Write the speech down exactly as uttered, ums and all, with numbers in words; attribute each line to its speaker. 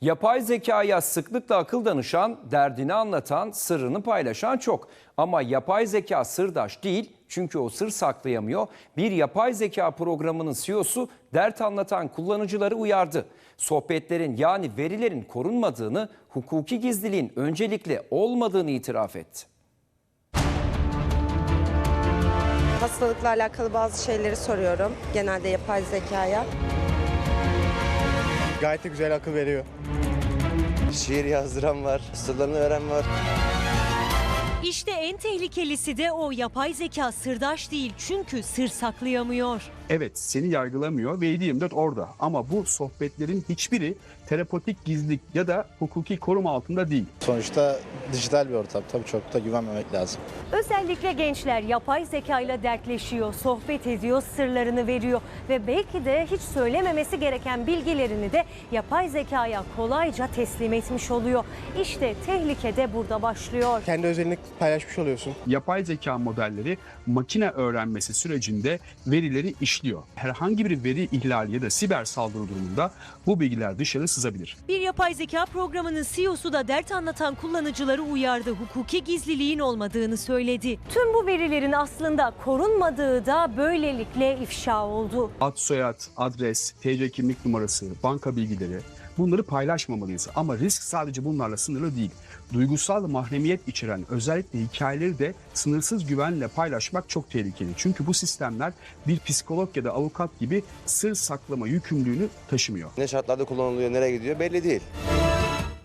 Speaker 1: Yapay zekaya sıklıkla akıl danışan, derdini anlatan, sırrını paylaşan çok. Ama yapay zeka sırdaş değil, çünkü o sır saklayamıyor. Bir yapay zeka programının C E O'su dert anlatan kullanıcıları uyardı. Sohbetlerin yani verilerin korunmadığını, hukuki gizliliğin öncelikli olmadığını itiraf etti.
Speaker 2: Hastalıkla alakalı bazı şeyleri soruyorum genelde yapay zekaya.
Speaker 3: Gayet de güzel akıl veriyor.
Speaker 4: Şiir yazdıran var, sırlarını veren var.
Speaker 5: İşte en tehlikelisi de o yapay zeka sırdaş değil çünkü sır saklayamıyor.
Speaker 6: Evet, seni yargılamıyor ve yedi yirmi dört orada ama bu sohbetlerin hiçbiri terapotik gizlilik ya da hukuki koruma altında değil.
Speaker 7: Sonuçta dijital bir ortam, tabii çok da güvenmemek lazım.
Speaker 5: Özellikle gençler yapay zekayla dertleşiyor, sohbet ediyor, sırlarını veriyor ve belki de hiç söylememesi gereken bilgilerini de yapay zekaya kolayca teslim etmiş oluyor. İşte tehlike de burada başlıyor.
Speaker 3: Kendi özelini paylaşmış oluyorsun.
Speaker 6: Yapay zeka modelleri makine öğrenmesi sürecinde verileri işliyor. Herhangi bir veri ihlali ya da siber saldırı durumunda bu bilgiler dışarı sızabilir.
Speaker 5: Bir yapay zeka programının C E O'su da dert anlatan kullanıcıları uyardı. Hukuki gizliliğin olmadığını söyledi. Tüm bu verilerin aslında korunmadığı da böylelikle ifşa oldu.
Speaker 6: Ad, soyad, adres, T C kimlik numarası, banka bilgileri, bunları paylaşmamalıyız. Ama risk sadece bunlarla sınırlı değil. Duygusal mahremiyet içeren özellikle hikayeleri de sınırsız güvenle paylaşmak çok tehlikeli. Çünkü bu sistemler bir psikolog ya da avukat gibi sır saklama yükümlülüğünü taşımıyor.
Speaker 4: Ne şartlarda kullanılıyor, nereye gidiyor belli değil.